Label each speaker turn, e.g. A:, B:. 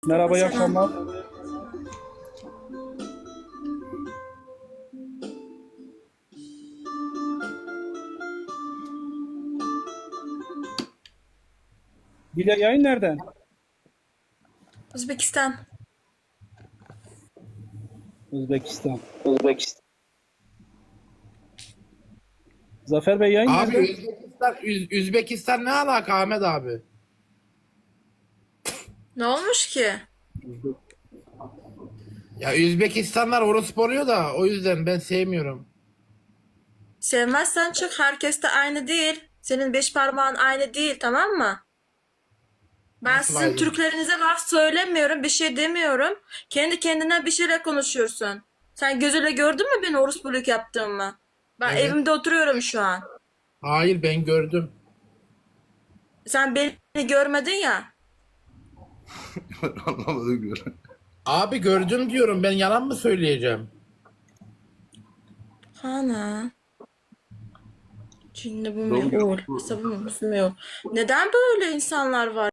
A: Merhaba, iyi
B: Selam.
A: akşamlar. Dile yayın nereden?
B: Özbekistan.
A: Özbekistan. Zafer Bey yayın
C: Abi
A: nereden?
C: Üzbekistan ne alaka Ahmet abi?
B: Ne olmuş ki?
C: Ya Üzbekistanlar orospu oluyor da o yüzden ben sevmiyorum.
B: Sevmezsen çık. Herkes de aynı değil. Senin beş parmağın aynı değil, tamam mı? Ben
C: Nasıl
B: sizin
C: ayrı?
B: Türklerinize laf söylemiyorum, bir şey demiyorum. Kendi kendine bir şeyler konuşuyorsun. Sen gözüyle gördün mü beni orospuluk yaptığımı? Ben
C: Evet.
B: evimde oturuyorum şu an.
C: Hayır ben gördüm.
B: Sen beni görmedin ya.
D: Anlamadım göre.
C: Abi gördüm diyorum ben yalan mı söyleyeceğim?
B: Hana. Şimdi bu
D: Doğum
B: meul.
D: günü.
B: Hesabı mı? Neden böyle insanlar var?